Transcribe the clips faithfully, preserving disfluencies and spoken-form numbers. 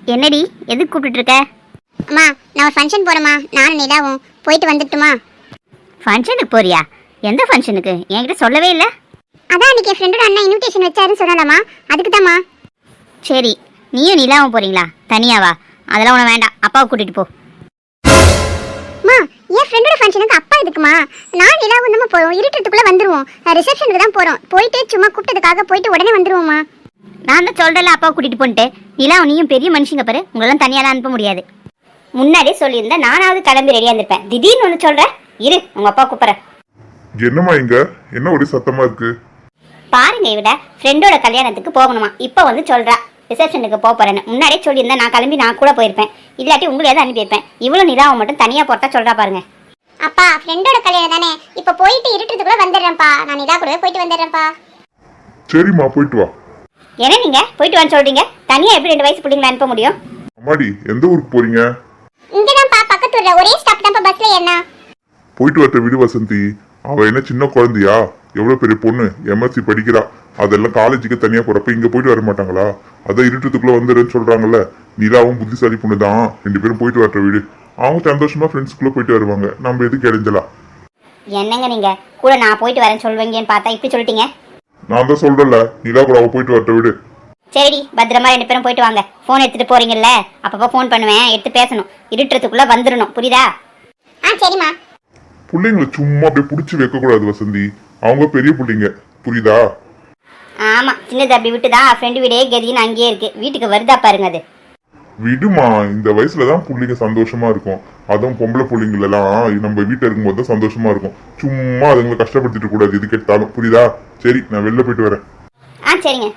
என்னடி எதுக்கு கூப்பிட்டு இருக்க? அம்மா நான் ஒரு ஃபங்க்ஷன் போறேம்மா, நானும் நிலாவும் போயிட்டு வந்துட்டுமா? ஃபங்க்ஷனுக்கு போறியா? எந்த ஃபங்க்ஷனுக்கு? என்கிட்ட சொல்லவே இல்லை. அதான் அன்னைக்கு என் ஃப்ரெண்டோட அண்ணா இன்விடேஷன் வச்சாருன்னு சொன்னாலாமா, அதுக்கு தாம்மா. சரி, நீயும் நிலாவும் போறீங்களா? தனியாவா? அதெல்லாம் உன வேண்டாம், அப்பாவை கூட்டிட்டு போ. அம்மா என் ஃப்ரெண்டோட ஃபங்க்ஷனுக்கு அப்பா எதுக்குமா? நான் நிலாவும் நம்ம போறோம், இருட்டுறதுக்குள்ள வந்துருவோம். ரிசப்ஷனுக்கு தான் போறோம், போயிட்டு சும்மா கூப்பிட்டதுக்காக போயிட்டு உடனே வந்துருவோம்மா. நான் தான் சொல்றேன்ல அப்பாவை கூட்டிட்டு போன்ட்டு. நிலாவும் நீயும் பெரிய மனுஷங்க பாரு, உங்களெல்லாம் தனியாலாம் அனுப்ப முடியாது. முன்னாடியே சொல்லியிருந்தா நானாவது கிளம்பி ரெடியா இருந்திருப்பேன். திடீர்னு ஒன்று சொல்றேன், இரு உங்க அப்பா கூப்பிட்றேன். என்னம்மா இங்க என்ன ஒரே சத்தமா இருக்கு? பாருங்க, இவட ஃப்ரெண்டோட கல்யாணத்துக்கு போகணுமா, இப்போ வந்து சொல்றா ரிசப்ஷனுக்கு போக போறேன்னு. முன்னாடியே சொல்லியிருந்தா நான் கிளம்பி நான் கூட போயிருப்பேன், இல்லாட்டி உங்களையாவது அனுப்பியிருப்பேன். இவ்வளவு நிலாவை மட்டும் தனியா போட்டா சொல்றா பாருங்க. அப்பா ஃப்ரெண்டோட கல்யாணம் தானே, இப்போ போயிட்டு இருட்டுறதுக்குள்ள வந்துடுறேன்ப்பா. நான் நிலா கூடவே போயிட்டு வந்துடுறேன்ப்பா. சரிம்மா போயிட்டு வா. என்ன நீங்க போயிட்டு வான்னு சொல்றீங்க? தனியா எப்படி ரெண்டு வயசு பிள்ளைங்களை அனுப்ப முடியும்? அம்மாடி எந்த ஊருக்கு போறீங்க? இங்கதான்ப்பா, பக்கத்து ஊர்ல. ஒரே ஸ்டாப் தான்ப்பா, பஸ்ல ஏறினா. போயிட்டு வரட்ட விடு வசந்தி. அவ என்ன சின்ன குழந்தையா? எவ்வளவு பெரிய பொண்ணு, எம்எஸ்சி படிக்கிறா. அதெல்லாம் காலேஜுக்கு தனியா போறப்ப இங்க போயிட்டு வர மாட்டாங்களா? அதான் இருட்டுக்குள்ள வந்துடுன்னு சொல்றாங்கல்ல. நிலாவும் புத்திசாலி பொண்ணு தான், ரெண்டு பேரும் போயிட்டு வரட்ட வீடு. அவங்க சந்தோஷமா ஃப்ரெண்ட்ஸ்குள்ள போயிட்டு வருவாங்க, நம்ம எதுக்கு இடைஞ்சலாம்? என்னங்க நீங்க கூட நான் போயிட்டு வரேன்னு சொல்வீங்கன்னு பார்த்தா இப்படி சொல்லிட்டீங்க. நான் தான் சொல்றேன்ல, நிலா கூட அவ போயிட்டு வரட்ட வீடு. சரி, பத்திரமா ரெண்டு பேரும் போயிட்டு வாங்க. போன் எடுத்துட்டு போறீங்கல்ல, அப்பப்போ போன் பண்ணுவேன், எடுத்து பேசணும். இருட்டுறதுக்குள்ள வந்துடணும், புரியுதா? ஆ சரிம்மா. பிள்ளைங்களை சும்மா அப்படியே புடிச்சு வைக்க கூடாது வசந்தி, அவங்க பெரிய பிள்ளைங்க, புரியுதா? ஆமா, சின்னது அப்படி விட்டுதான் ஃப்ரெண்டு வீடே கதின்னு அங்கேயே இருக்கு. வீட்டுக்கு வருதா பாருங்க. அது விடுமா, இந்த வயசுலதான் பிள்ளைங்க சந்தோஷமா இருக்கும். அதுவும் பொம்பளை பிள்ளைங்க எல்லாம் நம்ம வீட்டுல இருக்கும்போது தான் சந்தோஷமா இருக்கும். சும்மா அதுங்களை கஷ்டப்படுத்திட்டு கூடாது எது கேட்டாலும், புரியுதா? சரி, நான் வெளில போயிட்டு வரேன். ஆ சரிங்க.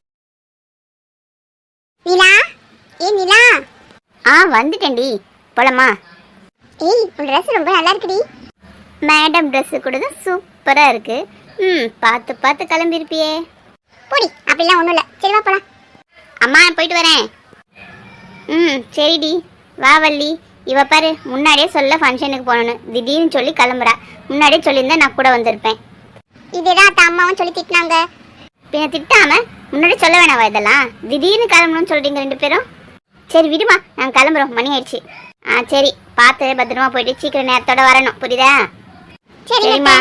நிலா, ஏ நிலா. ஆ வந்துட்டேன்டி, போலாமா? ஏய் உன் ட்ரெஸ் ரொம்ப நல்லா இருக்குடி. மேடம் ட்ரெஸ்ஸு கூட தான் சூப்பராக இருக்கு. ம், பார்த்து பார்த்து கிளம்பிருப்பியே. போடி, அப்படிலாம் ஒன்றும் இல்லை. சரி வா போலாம். அம்மா போயிட்டு வரேன். ம் சரிடி, வா வள்ளி. இவ பாரு, முன்னாடியே சொல்ல ஃபங்க்ஷனுக்கு போகணுன்னு திடீர்னு சொல்லி கிளம்புறா. முன்னாடியே சொல்லியிருந்தா நான் கூட வந்திருப்பேன். இதுதான் அத்த அம்மாவும் சொல்லி திட்டினாங்க. பின்ன திட்டாம முன்னாடி சொல்ல வேணாவா இதெல்லாம்? திடீர்னு கிளம்பணும்னு சொல்றீங்க ரெண்டு பேரும். சரி விடுமா, நாங்கள் கிளம்புறோம், மணி ஆயிடுச்சு. ஆ சரி, பார்த்து பத்திரமா போயிட்டு சீக்கிரம் நேரத்தோட வரணும், புரியுதா? சரிம்மா.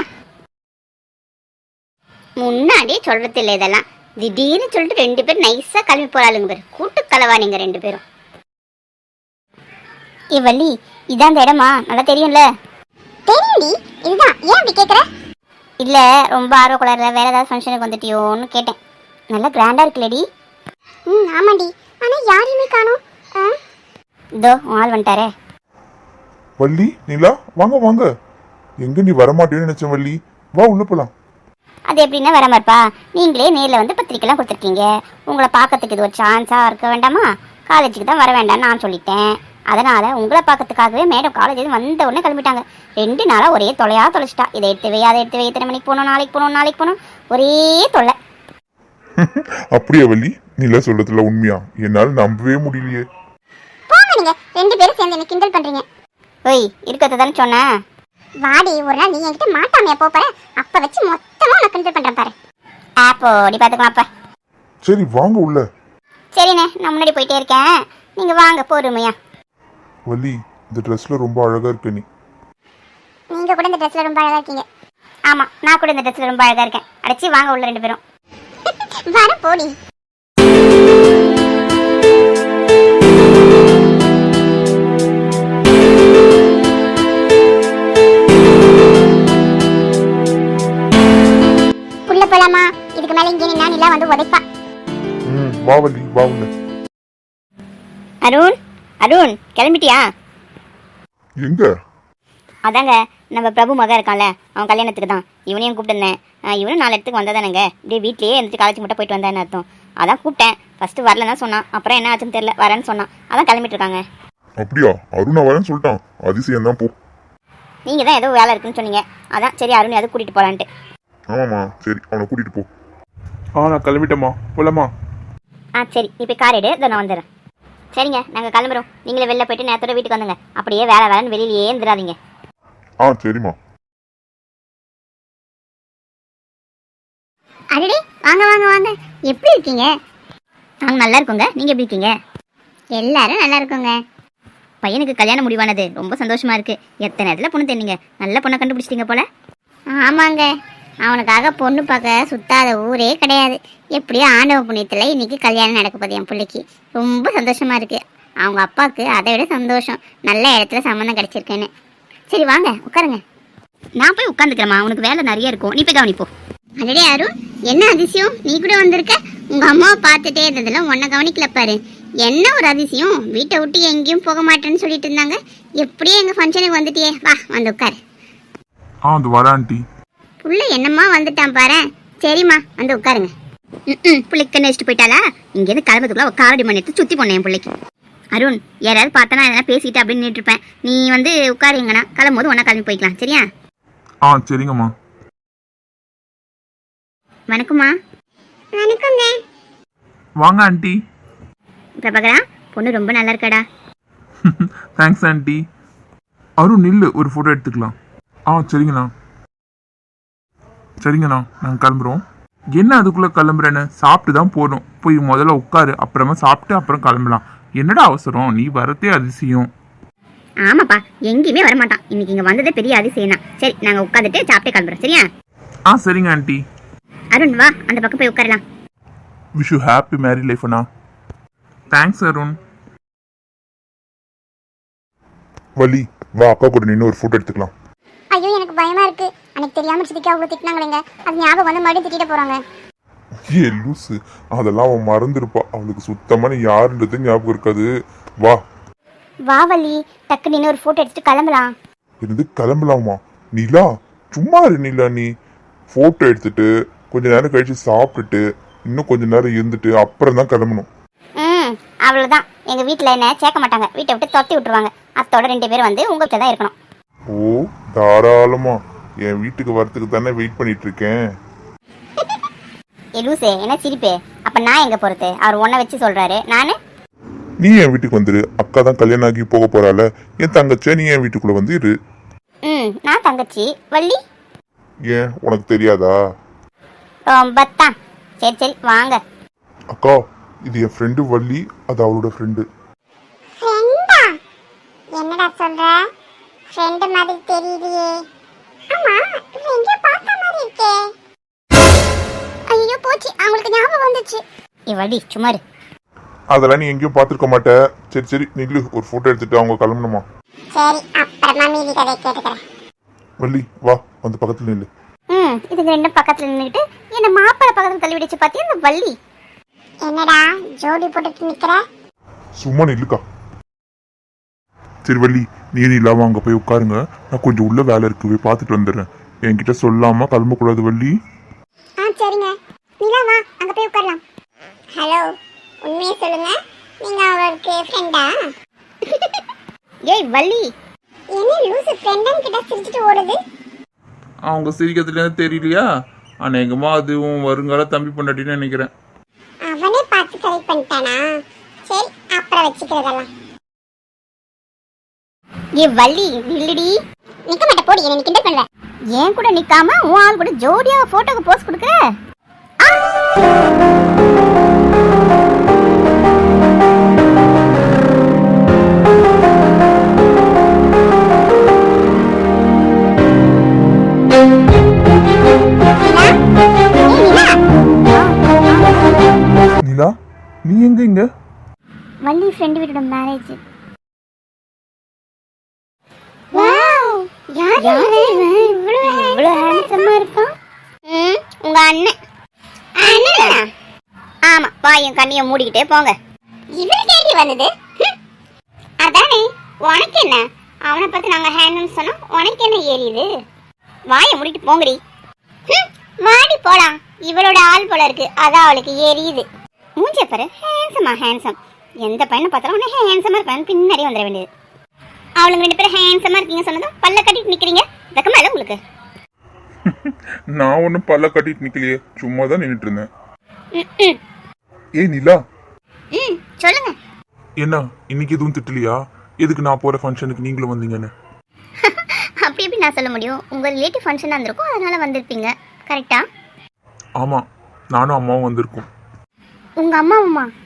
முன்னாடியே சொல்றது இல்லை இதெல்லாம். திடீர்னு சொல்லிட்டு ரெண்டு பேரும் நைஸா கிளம்பி போறாளுங்க பேர். கூட்டு கலவா நீங்க ரெண்டு பேரும். ஏ வள்ளி, இதான் இந்த இடமா? நல்லா தெரியும்ல? தெரியும்டி, இதுதான். ஏன் அப்படி கேட்குற? இல்ல, ரொம்ப ஆர்வ குளர்ல வேற ஏதாவது ஃபங்க்ஷனுக்கு வந்துட்டியோன்னு கேட்டேன். நல்லா கிராண்டா இருக்குல்லடி. ம் ஆமாண்டி, ஆனா யாரையுமே காணோம். இதோ ஆள் வந்துட்டாரே. வள்ளி, நிலா, வாங்க வாங்க. எங்க நீ வரமாட்டேன்னு நினைச்சேன் வள்ளி, வா உள்ள போலாம். அது எப்படின்னா வரமாருப்பா, நீங்களே நேரில் வந்து பத்திரிக்கைலாம் கொடுத்துருக்கீங்க. உங்களை பார்க்கறதுக்கு இது ஒரு சான்ஸாக இருக்க வேண்டாமா? காலேஜுக்கு தான் வர வேண்டாம்னு நான் சொல்லிட்டேன். அதனால் உங்களை பார்க்கறதுக்காகவே மேடம் காலேஜ் வந்த உடனே கிளம்பிட்டாங்க. ரெண்டு நாளாக ஒரே தொலையாக தொலைச்சிட்டா. இதை எடுத்து வை, அதை எடுத்து வை, இத்தனை மணிக்கு போகணும், நாளைக்கு போகணும், நாளைக்கு போகணும், ஒரே தொலை. அப்படியா வள்ளி? நிலா சொல்றதுல உண்மையா? என்னால் நம்பவே முடியலையே. போங்க, நீங்க ரெண்டு பேரும் சேர்ந்து என்ன கிண்டல் பண்றீங்க. ஓய், இருக்கிறத தானே சொன்னேன். வாடி, ஒரு நாள் நீ என்கிட்ட மாட்டாமையா போற, அப்ப வச்சு மொத்தமா நான் கிண்டல் பண்றேன் பாரு. ஆப்போ நீ பார்த்துக்கலாம் அப்ப. சரி வாங்க உள்ள. சரிண்ணே, நான் முன்னாடி போயிட்டே இருக்கேன், நீங்கள் வாங்க பொறுமையா. வள்ளி, இந்த ட்ரெஸ்ல ரொம்ப அழகா இருக்க நீ. நீங்க கூட இந்த ட்ரெஸ்ல ரொம்ப அழகா இருக்கீங்க. ஆமாம், நான் கூட இந்த ட்ரெஸ்ஸில் ரொம்ப அழகாக இருக்கேன். அடைச்சி வாங்க உள்ள ரெண்டு பேரும். வர போடி. உள்ள போலாமா? இதுக்கு மேல இங்கே நின்னா நிலா வந்து உதைப்பா. ம் வா வள்ளி, வா உள்ள. அருண், அருண் கிளம்பிட்டியா? எங்க? அதாங்க நம்ம பிரபு மகன் இருக்கான்ல, அவன் கல்யாணத்துக்கு தான். இவனையும் கூப்பிட்டுருந்தேன். இவனும் நாலு இடத்துக்கு வந்ததானங்க, இப்படியே வீட்லேயே இருந்துட்டு காலேஜ் மட்டும் போயிட்டு வந்தேன்னு அர்த்தம். அதான் கூப்பிட்டேன். ஃபர்ஸ்ட் வரல தான் சொன்னான், அப்புறம் என்ன ஆச்சுன்னு தெரியல, வரேன்னு சொன்னான். அதான் கிளம்பிட்டு இருக்காங்க. அப்படியா? அருணா வரேன்னு சொல்லிட்டான், அதிசயம் தான். போ. நீங்கள் தான் ஏதோ வேலை இருக்குன்னு சொன்னீங்க, அதான் சரி அருண் அதை கூட்டிகிட்டு போகலான்ட்டு. ஆமாம்மா, சரி அவனை கூட்டிட்டு போ. ஆ நான் கிளம்பிட்டேம்மா, போலாமா? ஆ சரி, நீ போய் கார் எடு, இதை நான் வந்துடுறேன். சரிங்க, நாங்கள் கிளம்புறோம். நீங்களே வெளில போயிட்டு நேரத்தோட வீட்டுக்கு வந்துங்க. அப்படியே வேலை வேலைன்னு வெளியிலேயே இருந்துடாதீங்க. ஆ சரிம்மா. அடடே, வாங்க வாங்க வாங்க. எப்படி இருக்கீங்க? நாங்கள் நல்லா இருக்கோங்க, நீங்கள் எப்படி இருக்கீங்க? எல்லாரும் நல்லா இருக்குங்க. பையனுக்கு கல்யாணம் முடிவானது ரொம்ப சந்தோஷமா இருக்கு. எத்தனை இடத்துல பொண்ணு தேடிங்க, நல்ல பொண்ணை கண்டுபிடிச்சிட்டீங்க போல. ஆமாங்க, அவனுக்காக பொண்ணு பார்க்க சுத்தாத ஊரே கிடையாது. எப்படியோ ஆண்டவ புண்ணியத்தில் இன்னைக்கு கல்யாணம் நடக்க போகுது என் பிள்ளைக்கு. ரொம்ப சந்தோஷமா இருக்கு. அவங்க அப்பாவுக்கு அதை விட சந்தோஷம், நல்ல இடத்துல சம்மந்தம் கிடைச்சிருக்குன்னு. சரி வாங்க உட்காருங்க. நான் போய் உட்காந்துக்கிறேம்மா, உனக்கு வேலை நிறைய இருக்கும், நீ போய் கவனிப்போ. அடடே அருண், என்ன அதிசயம் நீ கூட வந்திருக்க. உங்க அம்மாவை பார்த்துட்டே இருந்ததுல உன்னை கவனிக்கல பாரு. என்ன ஒரு அதிசயம், வீட்டை விட்டு எங்கேயும் போக மாட்டேன்னு சொல்லிட்டு இருந்தாங்க. எப்படியே எங்க ஃபங்க்ஷனுக்கு வந்துட்டியே, வா வந்து உட்காரு. ஆ அது வரேன் ஆண்டி. புள்ள என்னம்மா வந்துட்டான் பாரு. சரிம்மா வந்து உட்காருங்க. ம் பிள்ளைக்கு கண்ணு வச்சுட்டு போயிட்டாளா? இங்கேருந்து கிளம்புறதுக்குள்ள ஒரு காரடி மணி எடுத்து சுற்றி போனேன் என் பிள்ளைக்கு. அருண், யாராவது பார்த்தனா எதனா பேசிட்டு அப்படின்னு நின்றுட்டு இருப்பேன். நீ வந்து உட்காருங்கண்ணா, கிளம்பும்போது ஒன்றா கிளம்பி போய்க்கலாம், சரியா? ஆ சரிங்கம்மா. வணக்கம்மா. வணக்கங்க. வாங்க ஆண்டி. பிரபாகரா, பொண்ணு ரொம்ப நல்லா இருக்காடா. Thanks aunty. அருண் நில்லு, ஒரு ஃபோட்டோ எடுத்துக்கலாம். ஆ சரிங்கண்ணா. சரிங்கண்ணா, நாங்கள் கிளம்புறோம். என்ன அதுக்குள்ளே கிளம்புறேன்னு? சாப்பிட்டு தான் போகணும். போய் முதல்ல உட்காரு, அப்புறமா சாப்பிட்டு அப்புறம் கிளம்பலாம். என்னடா அவசரம், நீ வரதே அதிசயம். ஆமாப்பா, எங்கேயுமே வரமாட்டான். இன்னைக்கு இங்கே வந்ததே பெரிய அதிசயம் தான். சரி, நாங்கள் உட்காந்துட்டு சாப்பிட்டே கிளம்புறோம், சரியா? ஆ சரிங்க ஆண்டி. அருண் வா, அந்த பக்கம் போய் உட்காரலாம். Wish you happy married life அண்ணா. தேங்க்ஸ் அருண். வலி வா, அக்கா கூட நின்று ஒரு ஃபோட்டோ எடுத்துக்கலாம். ஐயோ எனக்கு பயமா இருக்கு. அன்னைக்கு தெரியாம சித்திக்கு அவ்வளவு திட்டினாங்களேங்க, அது ஞாபகம் வந்து மறுபடியும் திட்டிட்டு போறாங்க. ஏ லூசு, அதெல்லாம் அவன் மறந்துருப்பா. அவளுக்கு சுத்தமான யாருன்றது ஞாபகம் இருக்காது. வா வா வள்ளி, டக்கு நின்று ஒரு ஃபோட்டோ எடுத்துட்டு கிளம்பலாம். இருந்து கிளம்பலாமா? நிலா சும்மா இரு நிலா. நீ ஃபோட்டோ எடுத்துட்டு கொஞ்ச நேரம் கழிச்சு சாப்பிட்டுட்டு இன்னும் கொஞ்ச நேரம் இருந்துட்டு அப்புறம் தான் கிளம்பணும். ம் அவ்வளோதான். எங்கள் வீட்டில் என்ன சேர்க்க மாட்டாங்க, வீட்டை விட்டு துரத்தி விட்டுருவாங்க. அத்தோட ரெண்டு பேரும் வந்து உங்கள் வீட்டில் தான் இருக்கணும். ஓ தாராளமா, என் வீட்டுக்கு வரத்துக்கு தானே வெயிட் பண்ணிட்டு இருக்கேன். ஏ லூசே, என்ன சிரிப்பே? அப்போ நான் எங்கே போகிறது? அவர் ஒன்றை வச்சு சொல்கிறாரு, நான் நீ என் வீட்டுக்கு வந்துரு. அக்கா தான் கல்யாணம் ஆகி போக போறால, என் தங்கச்சியா நீ என் வீட்டுக்குள்ள வந்து இரு. ம் நான் தங்கச்சி வள்ளி. ஏன் உனக்கு தெரியாதா? ரொம்ப தான். சரி சரி வாங்க. அக்கா, இது என் ஃப்ரெண்டு வள்ளி, அது அவளோட ஃப்ரெண்டு. ஃப்ரெண்டா? என்னடா சொல்ற? ஃப்ரெண்ட் மாதிரி தெரியலையே. ஆமா, எங்க பார்த்த மாதிரி இருக்கே. ஐயோ போச்சு, அவங்களுக்கு ஞாபகம் வந்துச்சு. ஏ வள்ளி சும்மா இரு. அதெல்லாம் நீ எங்கேயும் பார்த்துருக்க மாட்ட. சரி சரி நில்லு, ஒரு ஃபோட்டோ எடுத்துட்டு அவங்க கிளம்பணுமா? சரி, அப்புறமா மீதி கதை கேட்டுக்கிறேன். வள்ளி வா, வந்து பக்கத்துல நில்லு. ம் இதுங்க ரெண்டும் பக்கத்தில் நின்றுட்டு என்ன மாப்பிள்ளை பக்கத்தில் தள்ளி விடுச்சு பார்த்தியா இந்த வள்ளி. என்னடா ஜோடி போட்டுட்டு நிக்கிற? சும்மா நில்லுக்கா. சரி வள்ளி, நீ நிலாவா அங்க போய் உட்காருங்க. நான் கொஞ்சம் உள்ள வேலை இருக்கு, போய் பார்த்துட்டு வந்துடுறேன். என்கிட்ட சொல்லாம கிளம்பக்கூடாது வள்ளி. ஆ சரிங்க. நிலா வா, அங்க போய் உட்காரலாம். ஹலோ, உண்மையை சொல்லுங்க, நீங்க அவருக்கு ஃப்ரெண்டா? ஏய் வள்ளி, என்ன லூசு ஃப்ரெண்டன் கிட்ட சிரிச்சிட்டு ஓடுது? அவங்க சிரிக்கிறதுலேருந்து தெரியலையா? அநேகமா அதுவும் வருங்கால தம்பி பொண்டாட்டின்னு நினைக்கிறேன். அவனே பார்த்து செலக்ட் பண்ணிட்டானா? சரி, அப்புறம் வச்சுக்கிறதெல்லாம். ஏ வள்ளி நில்லுடி. நிக்க மாட்டே, போடி, என்ன கிண்டல் பண்ணல. ஏன் கூட நிக்காம உன் ஆள் கூட ஜோடியா போட்டோக்கு போஸ்ட் கொடுக்குற. நிலா, நீ எங்க இங்க? வள்ளி ஃப்ரெண்ட் வீட்டோட மேரேஜ். வாவ், யார் இவன்? இவ்வளவு இவ்வளோ ஹேண்ட்ஸமா இருக்கான். ம் உங்க அண்ணன். அண்ணனா? ஆமா, வாயும் கண்ணியை மூடிக்கிட்டே போங்க. இவனுக்கு கேள்வி வந்தது. ஹம். அதானே, உனக்கு என்ன? அவனை பார்த்து நாங்க ஹேண்ட்னு சொன்னா உனக்கு என்ன ஏறியுது? வாயை மூடிட்டு போங்கடி. ஹம், வாடி போலாம். இவளோட ஆள் போல இருக்கு, அதான் அவளுக்கு ஏறியுது. மூஞ்சிய பாரு, ஹேண்ட்ஸமா ஹேண்ட்ஸம். எந்த பையனை பார்த்தாலும் உடனே ஹேண்ட்ஸமா இருப்பான்னு பின்னாடி வந்துட வேண்டியது. அவளுங்க ரெண்டு பேரும் ஹேண்ட்ஸமா இருக்கீங்க சொன்னதும் பல்ல கட்டிட்டு நிக்கிறீங்க. வெக்கமா இல்லை உங்களுக்கு? நான் ஒன்றும் பல்ல கட்டிட்டு நிக்கலையே, சும்மா தான் நின்றுட்டு இருந்தேன். ம் ம் ஏய் நிலா, ம் சொல்லுங்க. என்ன இன்னைக்கு எதுவும் திட்டலையா? எதுக்கு நான் போற ஃபங்க்ஷனுக்கு நீங்களும் வந்தீங்கன்னு? அப்படி எப்படி நான் சொல்ல முடியும்? உங்க ரிலேட்டிவ் ஃபங்க்ஷனாக இருந்திருக்கும், அதனால வந்திருப்பீங்க. கரெக்டா? ஆமா, நானும் அம்மாவும் வந்திருக்கோம். உங்க அம்மாவுமா?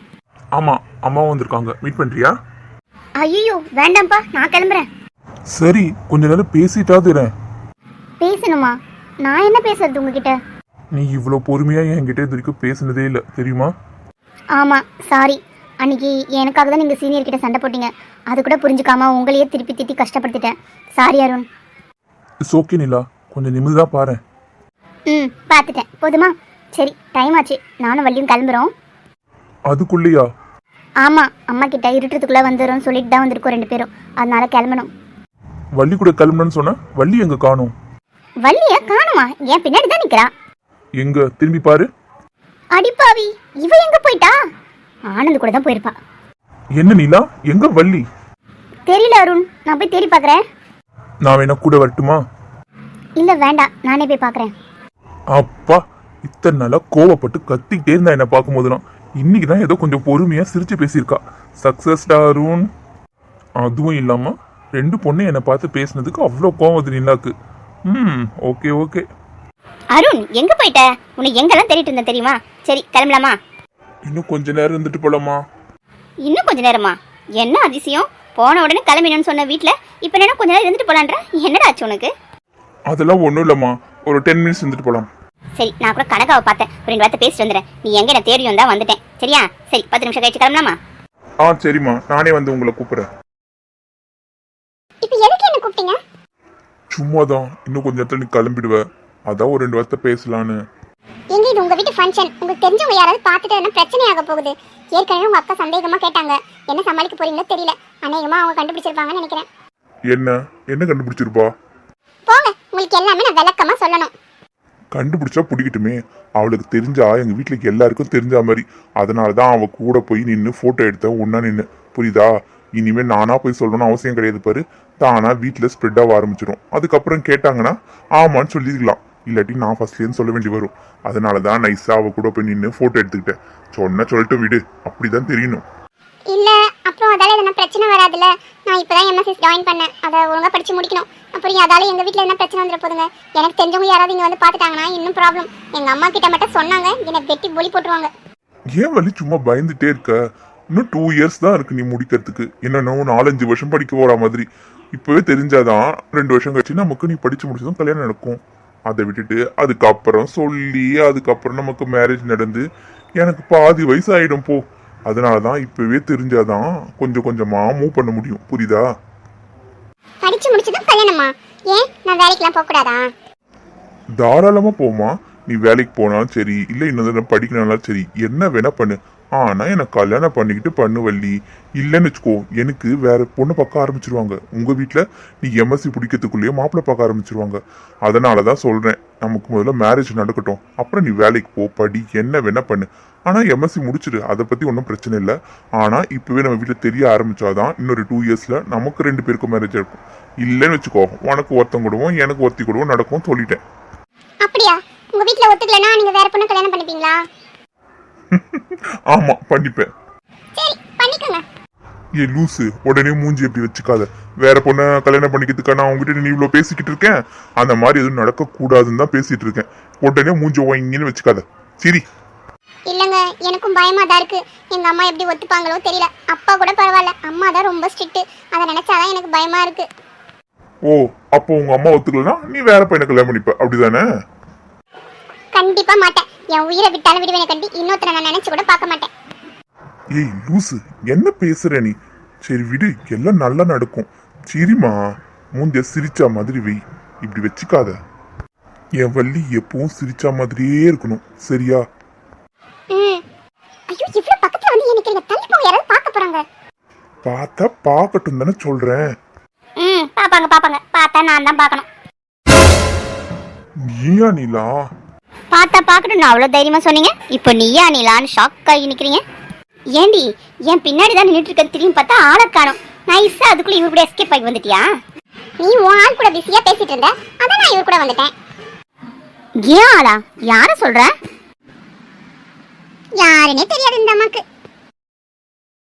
ஆமா அம்மாவும் வந்திருக்காங்க, மீட் பண்றியா? ஐயோ வேண்டாம்ப்பா, நான் கிளம்புறேன். சரி கொஞ்ச நேரம் பேசிட்டாது இரு. பேசணுமா? நான் என்ன பேசுறது உங்ககிட்ட? நீ இவ்வளோ பொறுமையா என்கிட்ட இது வரைக்கும் பேசினதே இல்லை தெரியுமா? ஆமா சாரி. அன்னைக்கு எனக்காக தான் நீங்க சீனியர் கிட்ட சண்டை போட்டீங்க. அது கூட புரிஞ்சுக்காம உங்களையே திருப்பி திட்டி கஷ்டப்படுத்திட்டேன். Sorry Arun. It's okay Nila, கொஞ்சம் நிமிர்ந்தா பாரு. ம் பார்த்துட்டேன், போதுமா? சரி டைம் ஆச்சு, நானும் வள்ளியும் கிளம்புறோம். அதுக்குள்ளேயா? ஆமா, அம்மா கிட்ட இருட்டுறதுக்குள்ள வந்துடும் சொல்லிட்டு தான் வந்திருக்கோம் ரெண்டு பேரும், அதனால கிளம்பணும். வள்ளி கூட கிளம்பணும்னு சொன்ன, வள்ளி எங்க காணோம்? வள்ளிய காணுமா? என் பின்னாடி தான் நிக்கிறா. எங்க திரும்பி பாரு. அடிப்பாவி, இவ எங்க போயிட்டா? ஆனந்த் கூட தான் போயிருப்பா. என்ன நிலா, எங்க வள்ளி? தெரியல அருண், நான் போய் தேடி பாக்குறேன். நான் வேணா கூட வரட்டுமா? இல்ல வேண்டாம், நானே போய் பாக்குறேன். அப்பா, இத்தனை நாளா கோவப்பட்டு கத்திக்கிட்டே இருந்தா என்ன பார்க்கும் போதெல்லாம், இன்னைக்கு தான் ஏதோ கொஞ்சம் பொறுமையா சிரிச்சு பேசியிருக்கா. சக்சஸ் அருண். அதுவும் இல்லாம ரெண்டு பொண்ணு என்னை பார்த்து பேசினதுக்கு அவ்வளோ கோவம் வருது நிலாக்கு. ம் ஓகே ஓகே. அருண் எங்க போயிட்ட? உன்னை எங்கெல்லாம் தேடிட்டு இருந்தேன் தெரியுமா? சரி கிளம்பலாமா? இன்னும் கொஞ்ச நேரம் இருந்துட்டு போலாமா? இன்னும் கொஞ்ச நேரமா? என்ன அதிசயம், போன உடனே கிளம்பினு சொன்ன வீட்டுல இப்ப என்ன கொஞ்ச நேரம் இருந்துட்டு போலான்ற? என்னடா ஆச்சு உனக்கு? அதெல்லாம் ஒன்றும் இல்லைம்மா, ஒரு டென் மினிட்ஸ் இருந்துட்டு போகலாம். சரி நான் கூட கனகாவை பார்த்தேன், ஒரு ரெண்டு வார்த்தை பேசிட்டு வந்துடுறேன். நீ எங்க என்ன தேடியும் தான் வந்துட்டேன். சரியா? சரி பத்து நிமிஷம் கழிச்சு கிளம்பலாமா? ஆ சரிம்மா, நானே வந்து உங்களை கூப்பிட்றேன். இப்போ எதுக்கு என்ன கூப்பிட்டீங்க? சும்மா தான், இன்னும் கொஞ்ச நேரத்தில் நீ கிளம்பிடுவ, அதான் ஒரு ரெண்டு வார்த்தை பேசலான்னு. எங்க இது உங்க வீட்டு ஃபங்க்ஷன், உங்களுக்கு தெரிஞ்சவங்க யாராவது பார்த்துட்டு என்ன பிரச்சனையாக போகுது. ஏற்கனவே உங்க அக்கா சந்தேகமா கேட்டாங்க, என்ன சமாளிக்க போறீங்களோ தெரியல. அநேகமா அவங்க கண்டுபிடிச்சிருப்பாங்கன்னு நினைக்கிறேன். என்ன என்ன கண்டுபிடிச்சிருப்பா? போங்க, உங்களுக்கு எல்லாமே நான் விளக்கமா சொல்லணும். கண்டுபிடிச்சா பிடிக்கட்டுமே, அவளுக்கு தெரிஞ்சா எங்க வீட்டுல எல்லாருக்கும் தெரிஞ்ச மாதிரி. அதனால தான் அவ கூட போய் நின்று போட்டோ எடுத்த ஒன்னா நின்று, புரியுதா? இனிமே நானா போய் சொல்லணும்னு அவசியம் கிடையாது பாரு, தானா வீட்டுல ஸ்ப்ரெட் ஆக ஆரம்பிச்சிடும். அதுக்கப்புறம் கேட்டாங்கன்னா ஆமான்னு சொல்லிருக்கலாம், இல்லாட்டி நான் ஃபர்ஸ்ட்லேருந்து சொல்ல வேண்டி வரும். அதனால தான் நைஸா அவ கூட போய் நின்று போட்டோ எடுத்துக்கிட்டேன். சொன்ன சொல்லிட்டு விடு, அப்படிதான் தெரியணும். இல்ல அப்புறம் அதால எதனா பிரச்சனை வராதுல்ல. நான் இப்பதான் எம்எஸ்சி ஜாயின் பண்ணேன், அதை ஒழுங்கா படிச்சு முடிக்கணும். அப்புறம் அதால எங்க வீட்டுல என்ன பிரச்சனை வந்துட போதுங்க. எனக்கு தெரிஞ்சவங்க யாராவது இங்க வந்து பாத்துட்டாங்கன்னா இன்னும் ப்ராப்ளம். எங்க அம்மா கிட்ட மட்டும் சொன்னாங்க, என்னை வெட்டி பொலி போட்டுருவாங்க. ஏன் வலி சும்மா பயந்துட்டே இருக்க? இன்னும் டூ இயர்ஸ் தான் இருக்கு நீ முடிக்கிறதுக்கு. என்னன்னா நாலஞ்சு வருஷம் படிக்க போற மாதிரி. இப்பவே தெரிஞ்சாதான் ரெண்டு வருஷம் கழிச்சு நமக்கு நீ படிச்சு முடிச்சதும் கல்யாணம் நடக்கும். அதை விட்டுட்டு அதுக்கப்புறம் சொல்லி அதுக்கப்புறம் நமக்கு மேரேஜ் நடந்து எனக்கு பாதி வயசு ஆயிடும் போ. அதனாலதான் இப்பவே தெரிஞ்சாதான் கொஞ்சம் கொஞ்சமா மூவ் பண்ண முடியும், புரியுதா? படிச்சு முடிச்சதும் கல்யாணமா? ஏன் நான் வேலைக்கெல்லாம் போக கூடாதா? தாராளமா போமா, நீ வேலைக்கு போனாலும் சரி, இல்ல இன்னும் படிக்கணும்னாலும் சரி, என்ன வேணா பண்ணு. ஆனா எனக்கு கல்யாணம் பண்ணிக்கிட்டு பண்ணு வள்ளி. இல்லைன்னு வச்சுக்கோ, எனக்கு வேற பொண்ணு பார்க்க ஆரம்பிச்சிருவாங்க. உங்க வீட்டுல நீ எம்எஸ்சி பிடிக்கிறதுக்குள்ளேயே மாப்பிள்ளை பார்க்க ஆரம்பிச்சிருவாங்க. அதனாலதான் சொல்றேன், நமக்கு முதல்ல மேரேஜ் நடக்கட்டும், அப்புறம் நீ வேலைக்கு போ, படி, என்ன வேணா பண்ணு. ஆனா எம்எஸ்சி முடிச்சிடு, அதை பத்தி ஒன்றும் பிரச்சனை இல்லை. ஆனா இப்பவே நம்ம வீட்டுல தெரிய ஆரம்பிச்சாதான் இன்னொரு டூ இயர்ஸ்ல நமக்கு ரெண்டு பேருக்கும் மேரேஜ் இருக்கும். இல்லைன்னு வச்சுக்கோ, உனக்கு ஒருத்தம் கொடுவோம், எனக்கு ஒருத்தி கொடுவோம் நடக்கும் சொல்லிட்டேன். அப்படியா? உங்க வீட்டுல ஒத்துக்கலன்னா நீங்க வேற பொண்ணு கல்யாணம் பண்ணிப்பீங்களா? ஆமா பண்ணிப்பேன். சரி பண்ணிக்கோங்க. ஏ லூசு, உடனே மூஞ்சி எப்படி வச்சுக்காத. வேற பொண்ணை கல்யாணம் பண்ணிக்கிறதுக்கா நான் உங்ககிட்ட நீ இவ்வளவு பேசிக்கிட்டு இருக்கேன்? அந்த மாதிரி எதுவும் நடக்க கூடாதுன்னு தான் பேசிட்டு இருக்கேன். உடனே மூஞ்சி வாங்கின்னு வச்சுக்காத. சரி இல்லங்க, எனக்கும் பயமா தான் இருக்கு. எங்க அம்மா எப்படி ஒத்துப்பாங்களோ தெரியல. அப்பா கூட பரவாயில்ல, அம்மா தான் ரொம்ப ஸ்ட்ரிக்ட். அதை நினைச்சாதான் எனக்கு பயமா இருக்கு. ஓ, அப்போ உங்க அம்மா ஒத்துக்கலனா நீ வேற பையனை கல்யாணம் பண்ணிப்ப, அப்படிதானே? கண்டிப்பா மாட்டேன். என் உயிரை விட்டாலும் விடுவேனே கண்டி இன்னொருத்தரை நான் நினைச்சு கூட பார்க்க மாட்டேன். ஏய் லூசு, என்ன பேசுற நீ? சரி விடு, எல்லாம் நல்லா நடக்கும். சரிம்மா, மூஞ்ச சிரிச்சா மாதிரி வை, இப்படி வச்சுக்காத. என் வள்ளி எப்பவும் சிரிச்சா மாதிரியே இருக்கணும், சரியா? ம். ஐயோ, இவ்வளவு பக்கத்துல வந்து எனக்கு இந்த தள்ளி போங்க, யாராவது பார்க்க போறாங்க. பார்த்தா பார்க்கட்டும் தானே சொல்றேன். ம் பாப்பாங்க பாப்பாங்க, பார்த்தா நான் தான் பார்க்கணும். நீயா நீலா? பார்த்தா பார்க்கணும் நான் அவ்வளோ தைரியமா சொன்னீங்க, இப்போ நீயா நீலான்னு ஷாக் ஆகி நிற்கிறீங்க. ஏண்டி என் பின்னாடி தான் நின்றுட்டு இருக்க, திரும்பி பார்த்தா ஆளை காணும். நைஸா அதுக்குள்ள இவர் கூட எஸ்கேப் ஆகி வந்துட்டியா? நீ உன் ஆள் கூட பிஸியா பேசிட்டு இருந்த, அதான் நான் இவர் கூட வந்துட்டேன். ஏன் ஆளா? யார சொல்ற? யாருன்னே தெரியாது இந்த அம்மாக்கு.